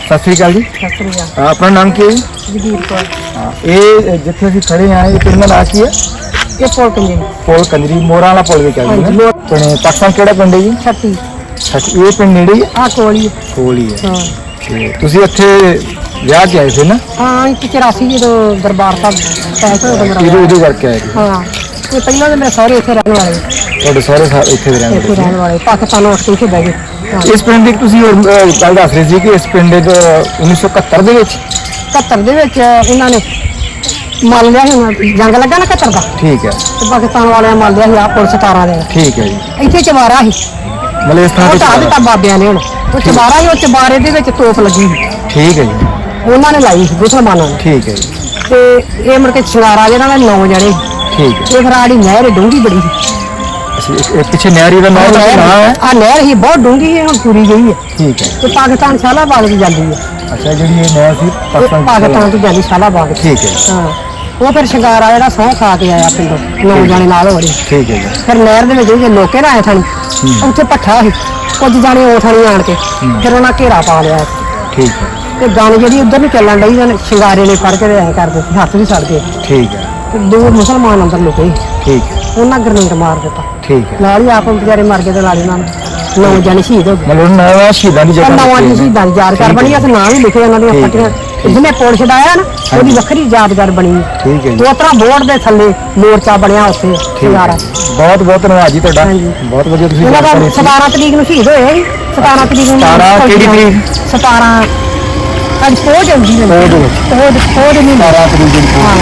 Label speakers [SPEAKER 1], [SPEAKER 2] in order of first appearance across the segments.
[SPEAKER 1] ਸਤਿ ਸ੍ਰੀ ਅਕਾਲ ਜੀ।
[SPEAKER 2] ਸਤਿ ਸ੍ਰੀ ਅਕਾਲ।
[SPEAKER 1] ਆਪਣਾ ਨਾਮ ਕੀ ਹੈ ਜੀ?
[SPEAKER 2] ਜਗੀਰ ਕੌਰ।
[SPEAKER 1] ਇਹ ਜਿੱਥੇ ਅਸੀਂ ਖੜੇ ਹਾਂ ਇਹ ਪਿੰਡ ਦਾ ਨਾਂ ਕੀ ਹੈ?
[SPEAKER 2] ਇਹ ਪੁਲ ਕੰਜੇ
[SPEAKER 1] ਪੁਲ ਕੰਜਰੀ, ਮੋਰਾਂ ਵਾਲਾ ਪੁਲ ਵੀ ਕਹਿੰਦੇ ਨੇ। ਤੇ ਪਾਕਿਸਤਾਨ ਕਿਹੜਾ ਪਿੰਡ ਹੈ ਜੀ?
[SPEAKER 2] ਛੱਤੀ।
[SPEAKER 1] ਇਹ ਪਿੰਡ ਨੇੜੇ ਹੀ ਹੈ?
[SPEAKER 2] ਆ ਕੋਲੀ।
[SPEAKER 1] ਕੋਲ ਹੀ ਹੈ।
[SPEAKER 2] ਹਾਂ
[SPEAKER 1] ਤੇ ਤੁਸੀਂ ਇੱਥੇ ਵਿਆਹ ਕੇ ਆਏ ਸੀ ਨਾ?
[SPEAKER 2] ਹਾਂ, ਇੱਕ 84 ਜਦੋਂ ਦਰਬਾਰ ਸਾਹਿਬ ਪੈਸੇ ਹੋਏ ਮੇਰਾ
[SPEAKER 1] ਇਹਦੇ ਕਰਕੇ ਆਏ ਸੀ।
[SPEAKER 2] ਹਾਂ, ਤੇ ਪਹਿਲਾਂ ਤਾਂ ਮੇਰੇ ਸਾਰੇ ਇੱਥੇ ਰਹਿਣ ਵਾਲੇ।
[SPEAKER 1] ਤੁਹਾਡੇ ਸਾਰੇ ਇੱਥੇ ਦੇ ਰਹਿੰਦੇ?
[SPEAKER 2] ਇੱਥੇ ਰਹਿਣ ਵਾਲੇ, ਪਾਕਿਸਤਾਨ ਉੱਠ ਕੇ ਇੱਥੇ ਬਹਿ ਗਏ।
[SPEAKER 1] ਇਸ ਪਿੰਡ ਦੀ ਤੁਸੀਂ ਗੱਲ ਦੱਸ ਰਹੇ ਸੀ ਕਿ ਇਸ ਪਿੰਡ 1971 ਦੇ ਵਿੱਚ
[SPEAKER 2] 71 ਦੇ ਵਿੱਚ ਇਹਨਾਂ ਨੇ ਮੰਨ ਲਿਆ ਸੀ, ਹੁਣ ਜੰਗ ਲੱਗਾ ਨਾ 71 ਦਾ।
[SPEAKER 1] ਠੀਕ ਹੈ।
[SPEAKER 2] ਤੇ ਪਾਕਿਸਤਾਨ ਵਾਲਿਆਂ ਮੰਨ ਲਿਆ ਸੀ ਆ ਪੁਲਿਸ 17 ਦੇ।
[SPEAKER 1] ਠੀਕ ਹੈ ਜੀ।
[SPEAKER 2] ਇੱਥੇ ਚਵਾਰਾ ਸੀ,
[SPEAKER 1] ਮਤਲਬ ਇਸ ਥਾਂ
[SPEAKER 2] ਉਹ
[SPEAKER 1] ਤੇ
[SPEAKER 2] ਢਾਹ ਦਿੱਤਾ ਬਾਬਿਆਂ ਨੇ। ਹੁਣ ਉਹ ਚਵਾਰਾ ਸੀ, ਉਹ ਚਵਾਰੇ ਦੇ ਵਿੱਚ ਤੋਪ ਲੱਗੀ ਸੀ।
[SPEAKER 1] ਠੀਕ ਹੈ ਜੀ।
[SPEAKER 2] ਉਹਨਾਂ ਨੇ ਲਾਈ ਸੀ ਮੁਸਲਮਾਨਾਂ ਨੇ।
[SPEAKER 1] ਠੀਕ ਹੈ ਜੀ।
[SPEAKER 2] ਤੇ ਇਹ ਮੁੜ ਕੇ ਸ਼ਿੰਗਾਰਾ ਜਿਹੜਾ ਨਾ 9 ਜਣੇ।
[SPEAKER 1] ਠੀਕ ਹੈ।
[SPEAKER 2] ਇਹ ਫਿਰ ਆੜੀ ਨਹਿਰ ਡੂੰਘੀ ਬੜੀ ਸੀ।
[SPEAKER 1] ਇਹ ਪਿੱਛੇ ਨਹਿਰੀ ਦਾ ਨਾਮ ਹੈ?
[SPEAKER 2] ਆ ਨਹਿਰ ਹੀ ਬਹੁਤ ਡੂੰਘੀ ਹੈ, ਹੁਣ ਪੂਰੀ ਗਈ ਹੈ।
[SPEAKER 1] ਠੀਕ ਹੈ।
[SPEAKER 2] ਤੇ ਪਾਕਿਸਤਾਨ ਸ਼ਾਲਾਬਾਗ ਦੀ ਜਾਂਦੀ ਹੈ।
[SPEAKER 1] ਅੱਛਾ, ਜਿਹੜੀ ਇਹ ਨਹਿਰ ਸੀ
[SPEAKER 2] ਪਾਕਿਸਤਾਨ ਤੋਂ ਜਾਂਦੀ ਸ਼ਾਲਾਬਾਗ।
[SPEAKER 1] ਠੀਕ ਹੈ।
[SPEAKER 2] ਹਾਂ, ਉਹ ਫਿਰ ਸ਼ਿੰਗਾਰਾ ਜਿਹੜਾ ਸਹੁੰ ਖਾ ਕੇ ਆਇਆ ਪਿੰਡੋਂ 9 ਜਣੇ ਨਾਲ ਹੋੜੀ।
[SPEAKER 1] ਠੀਕ ਹੈ ਜੀ।
[SPEAKER 2] ਫਿਰ ਨਹਿਰ ਦੇ ਵਿੱਚ ਜੇ ਲੋਕੇ ਨਾ ਆਏ ਥਾਣੀ, ਉੱਥੇ ਭੱਠਾ ਸੀ, ਕੁਝ ਜਾਣੇ ਉਹ ਥਾਣੀ ਆਣ ਕੇ ਫਿਰ ਉਹਨਾਂ ਘੇਰਾ ਪਾ ਲਿਆ।
[SPEAKER 1] ਠੀਕ ਹੈ।
[SPEAKER 2] ਤੇ ਗਾਂ ਜਿਹੜੀ ਉਧਰ ਨੂੰ ਚੱਲਣ ਡਈ ਉਹਨੇ ਸ਼ਿੰਗਾਰੇ ਨੇ ਫੜ ਕੇ ਐ ਕਰ ਦਿੱਤੇ, ਹੱਥ ਵੀ ਸੜ ਗਏ।
[SPEAKER 1] ਠੀਕ ਹੈ।
[SPEAKER 2] ਤੇ 2 ਮੁਸਲਮਾਨ ਅੰਦਰ ਲੁਕੇ।
[SPEAKER 1] ਠੀਕ ਹੈ।
[SPEAKER 2] ਉਹਨਾਂ ਗਰਨੇਡ ਮਾਰ ਦਿੱਤਾ।
[SPEAKER 1] ਠੀਕ ਹੈ।
[SPEAKER 2] ਨਾਲ ਹੀ ਆਪ ਵਿਚਾਰੇ ਮਰ ਗਏ ਤੇ ਨਾਲ ਇਹਨਾਂ 9 ਜਣੇ ਸ਼ਹੀਦ ਹੋ ਗਏ।
[SPEAKER 1] ਮਤਲਬ ਨਵਾਂ ਸ਼ਹੀਦਾਂ ਦੀ ਜਗ੍ਹਾ
[SPEAKER 2] ਨਵਾਂ ਦੀ ਸ਼ਹੀਦਾਂ ਦੀ ਯਾਦਗਾਰ ਬਣੀ ਆ ਤੇ ਨਾਂ ਵੀ ਲਿਖੇ ਉਹਨਾਂ ਦੀਆਂ ਪੱਟੀਆਂ। ਜਿਹਨੇ ਪੁਲ ਛਡਾਇਆ ਨਾ ਉਹਦੀ ਵੱਖਰੀ ਯਾਦਗਾਰ ਬਣੀ।
[SPEAKER 1] ਠੀਕ ਹੈ ਜੀ।
[SPEAKER 2] ਦੋ ਤਰ੍ਹਾਂ ਬੋਰਡ ਦੇ ਥੱਲੇ ਮੋਰਚਾ ਬਣਿਆ ਉੱਥੇ ਸ਼ਿੰਗਾਰਾ।
[SPEAKER 1] ਬਹੁਤ ਬਹੁਤ ਧੰਨਵਾਦ ਜੀ ਤੁਹਾਡਾ। ਬਹੁਤ ਵਧੀਆ ਤੁਸੀਂ
[SPEAKER 2] ਉਹਨਾਂ ਦਾ 17 ਤਰੀਕ ਨੂੰ ਸ਼ਹੀਦ ਹੋਏ ਸੀ। 17 ਤਰੀਕ ਨੂੰ
[SPEAKER 1] 17 ਕਿਹੜੀ ਤਰੀਕ?
[SPEAKER 2] 17 ਅੱਜ ਪਹੁੰਚ ਜਾਂਦੀ ਹੈ।
[SPEAKER 1] ਉਹਦੇ ਵਿੱਚ
[SPEAKER 2] ਪਹੁੰਚ ਨਹੀਂ
[SPEAKER 1] 17 ਤਰੀਕ ਦੀ
[SPEAKER 2] ਹਾਂ,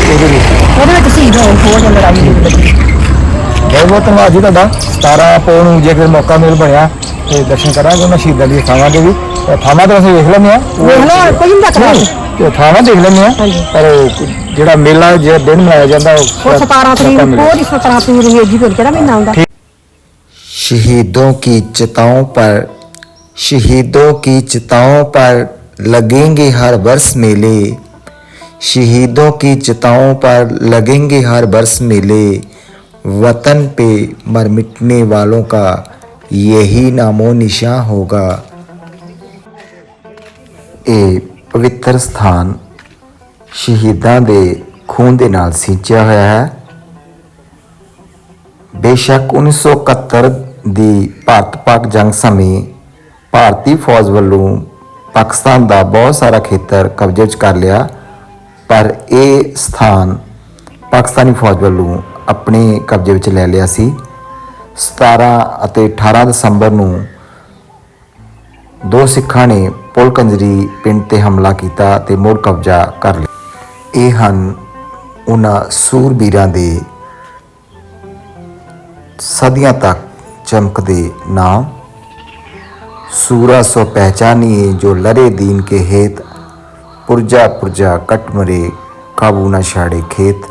[SPEAKER 2] ਉਹਦੇ ਵਿੱਚ ਸ਼ਹੀਦ ਹੋਏ ਪਹੁੰਚ ਲੜਾਈ ਦੇ ਵਿੱਚ।
[SPEAKER 1] ਬਹੁਤ ਬਹੁਤ ਧੰਨਵਾਦ ਜੀ ਤੁਹਾਡਾ। 17 ਪੌਣ ਨੂੰ ਜੇ ਕੋਈ ਮੌਕਾ ਮਿਲ ਬਣਿਆ ਤੇ ਦਰਸ਼ਨ ਕਰਾਂਗੇ ਉਹਨਾਂ ਸ਼ਹੀਦਾਂ ਦੀ ਥਾਵਾਂ ਦੇ ਵੀ। ਥਾਵਾਂ ਤਾਂ ਅਸੀਂ ਵੇਖ ਲੈਂਦੇ ਹਾਂ,
[SPEAKER 2] ਵੇਖ ਲਓ ਕੋਈ ਨਹੀਂ ਰੱਖਦਾ।
[SPEAKER 1] ਤੇ ਥਾਵਾਂ ਦੇਖ ਲੈਂਦੇ ਹਾਂ, ਪਰ ਜਿਹੜਾ ਮੇਲਾ ਜਿਹੜਾ ਦਿਨ ਮਨਾਇਆ ਜਾਂਦਾ
[SPEAKER 2] ਉਹ 17 ਤਰੀਕ ਨੂੰ ਪਹੁੰਚ 17 ਤਰੀਕ ਨੂੰ ਜੀ ਫਿਰ ਕਿਹੜਾ ਮਹੀਨਾ ਆਉਂਦਾ।
[SPEAKER 3] शहीदों की चिताओं पर लगेंगे हर वर्ष मेले। शहीदों की चिताओं पर लगेंगे हर वर्ष मेले। वतन पे मर मिटने वालों का यही नामो निशां होगा। ये पवित्र स्थान शहीदां दे खून दे नाल सींचिया होया है। बेशक 1971 ਦੀ ਭਾਰਤ ਪਾਕ ਜੰਗ ਸਮੇਂ ਭਾਰਤੀ ਫੌਜ ਵੱਲੋਂ ਪਾਕਿਸਤਾਨ ਦਾ ਬਹੁਤ ਸਾਰਾ ਖੇਤਰ ਕਬਜ਼ੇ ਵਿੱਚ ਕਰ ਲਿਆ, ਪਰ ਇਹ ਸਥਾਨ ਪਾਕਿਸਤਾਨੀ ਫੌਜ ਵੱਲੋਂ ਆਪਣੇ ਕਬਜ਼ੇ ਵਿੱਚ ਲੈ ਲਿਆ ਸੀ। 17 ਅਤੇ 18 ਦਸੰਬਰ ਨੂੰ 2 ਸਿੱਖਾਂ ਨੇ ਪੁਲ ਕੰਜਰੀ ਪਿੰਡ ਤੇ ਹਮਲਾ ਕੀਤਾ ਤੇ ਮੁੜ ਕਬਜ਼ਾ ਕਰ ਲਿਆ। ਇਹ ਹਨ ਉਹਨਾਂ ਸੂਰਬੀਰਾਂ ਦੇ सदियां तक चमकदे नाम। सूरा सो पहचानिए जो लरे दीन के हेत। पुरजा पुरजा कट मरे काबू न छाड़े खेत।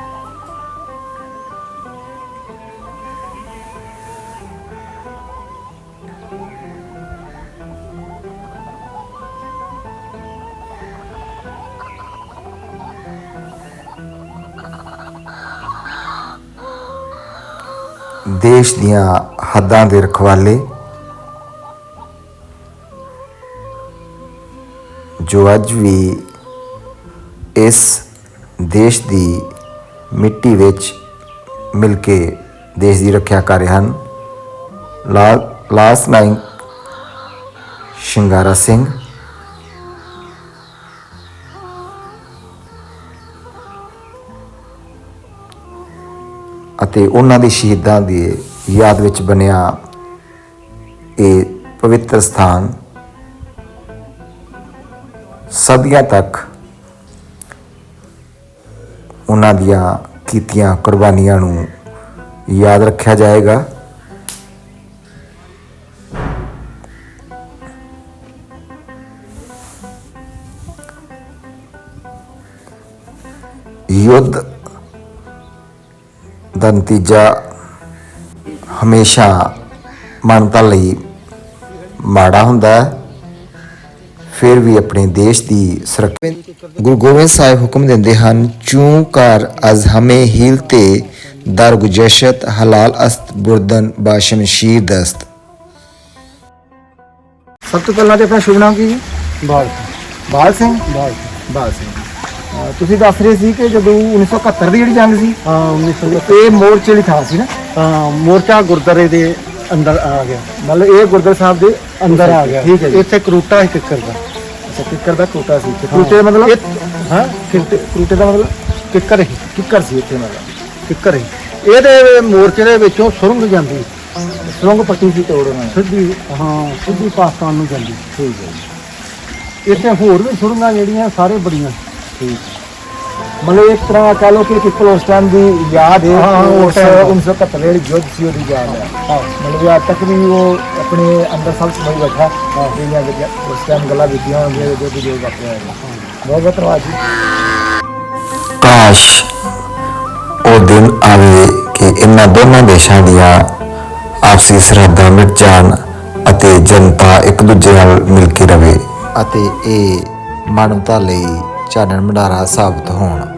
[SPEAKER 3] देश दियां हद्दां दे रखवाले जो अज भी इस देश दी मिट्टी विच मिल के देश की रक्षा कर रहे हैं। लास नायक शिंगारा सिंह, ਅਤੇ ਉਹਨਾਂ ਦੇ ਸ਼ਹੀਦਾਂ ਦੀ ਯਾਦ ਵਿੱਚ ਬਣਿਆ ਇਹ ਪਵਿੱਤਰ ਸਥਾਨ ਸਦੀਆਂ ਤੱਕ ਉਹਨਾਂ ਦੀਆਂ ਕੀਤੀਆਂ ਕੁਰਬਾਨੀਆਂ ਨੂੰ ਯਾਦ ਰੱਖਿਆ ਜਾਏਗਾ। युद्ध ਦਾ ਨਤੀਜਾ ਹਮੇਸ਼ਾ ਮਾਨਵਤਾ ਲਈ ਮਾੜਾ ਹੁੰਦਾ ਹੈ, ਫਿਰ ਵੀ ਆਪਣੇ ਦੇਸ਼ ਦੀ ਸੁਰੱਖਿਆ। ਗੁਰੂ ਗੋਬਿੰਦ ਸਾਹਿਬ ਹੁਕਮ ਦਿੰਦੇ ਹਨ, ਚੂੰ ਕਰ ਅਜ਼ ਹਮੇ ਹੀਲ ਤੇ ਦਰ ਗੁਜਸ਼ਤ ਹਲਾਲ ਅਸਤ ਬੁਰਦਨ ਬਾਸ਼ਮ ਸ਼ੀਰ ਦਸਤ।
[SPEAKER 1] ਸਭ ਤੋਂ ਪਹਿਲਾਂ ਤੇ ਆਪਣਾ ਸ਼ੁਭ ਨਾਮ ਕੀ ਹੈ?
[SPEAKER 2] ਬਾਲ
[SPEAKER 1] ਬਾਲ ਸਿੰਘ
[SPEAKER 2] ਬਾਲ
[SPEAKER 1] ਬਾਲ ਸਿੰਘ ਤੁਸੀਂ ਦੱਸ ਰਹੇ ਸੀ ਕਿ ਜਦੋਂ 1971 ਦੀ ਜਿਹੜੀ ਜੰਗ ਸੀ
[SPEAKER 2] ਹਾਂ 1900
[SPEAKER 1] ਇਹ ਮੋਰਚੇ ਵਾਲੀ ਥਾਂ ਸੀ ਨਾ,
[SPEAKER 2] ਮੋਰਚਾ ਗੁਰਦਾਰੇ ਦੇ ਅੰਦਰ ਆ ਗਿਆ,
[SPEAKER 1] ਮਤਲਬ ਇਹ ਗੁਰਦੁਆਰਾ ਸਾਹਿਬ ਦੇ
[SPEAKER 2] ਅੰਦਰ ਆ ਗਿਆ।
[SPEAKER 1] ਠੀਕ ਹੈ ਜੀ।
[SPEAKER 2] ਇੱਥੇ ਕਰੂਟਾ ਹੀ ਕਿੱਕਰ ਦਾ,
[SPEAKER 1] ਅੱਛਾ ਕਿੱਕਰ ਦਾ ਕੋਟਾ ਸੀ ਤੇ ਕੋਟੇ ਦਾ ਮਤਲਬ
[SPEAKER 2] ਹਾਂ
[SPEAKER 1] ਕੋਟੇ ਦਾ ਮਤਲਬ
[SPEAKER 2] ਕਿੱਕਰ ਹੀ
[SPEAKER 1] ਕਿੱਕਰ ਸੀ ਇੱਥੇ ਮਤਲਬ
[SPEAKER 2] ਕਿੱਕਰ ਹੀ। ਇਹਦੇ ਮੋਰਚੇ ਦੇ ਵਿੱਚੋਂ ਸੁਰੰਗ ਜਾਂਦੀ
[SPEAKER 1] ਸੁਰੰਗ ਪੱਟੀ ਸੀ ਤੋੜ ਉਹਨਾਂ ਨੇ।
[SPEAKER 2] ਸਿੱਧੀ, ਹਾਂ ਸਿੱਧੀ ਪਾਕਿਸਤਾਨ ਨੂੰ ਜਾਂਦੀ।
[SPEAKER 1] ਠੀਕ ਹੈ ਜੀ,
[SPEAKER 2] ਇੱਥੇ ਹੋਰ ਵੀ ਸੁਰੰਗਾਂ ਜਿਹੜੀਆਂ ਸਾਰੇ ਬੜੀਆਂ।
[SPEAKER 1] ਠੀਕ ਮਤਲਬ ਇੱਕ ਤਰ੍ਹਾਂ ਕਹ ਲਓ ਕਿ ਪਿੱਪਲ ਉਸ ਟਾਈਮ ਦੀ ਯਾਦ ਹੈ,
[SPEAKER 2] ਹਾਂ,
[SPEAKER 1] ਉਸ 1971 ਜਿਹੜੀ ਯੁੱਧ ਸੀ ਉਹਦੀ ਯਾਦ ਹੈ। ਮਤਲਬ ਅੱਜ ਤੱਕ ਵੀ ਉਹ ਆਪਣੇ ਅੰਦਰ ਸਭ ਸਮਝ ਬੈਠਾ ਜਿਹੜੀਆਂ ਉਸ ਟਾਈਮ ਗੱਲਾਂ ਕੀਤੀਆਂ ਹੋਣਗੀਆਂ ਜੋ ਵੀ ਜੋ ਵਾਪਰਿਆ ਹੈ। ਬਹੁਤ ਬਹੁਤ ਧੰਨਵਾਦ ਜੀ।
[SPEAKER 3] ਕਾਸ਼ ਉਹ ਦਿਨ ਆਵੇ ਕਿ ਇਹਨਾਂ ਦੋਨਾਂ ਦੇਸ਼ਾਂ ਦੀਆਂ ਆਪਸੀ ਸਰਹੱਦਾਂ ਮਿਟ ਜਾਣ ਅਤੇ ਜਨਤਾ ਇੱਕ ਦੂਜੇ ਨਾਲ ਮਿਲ ਕੇ ਰਵੇ ਅਤੇ ਇਹ ਮਾਨਵਤਾ ਲਈ ਚਾਨਣ ਭੰਡਾਰਾ ਸਾਬਤ ਹੋਣ।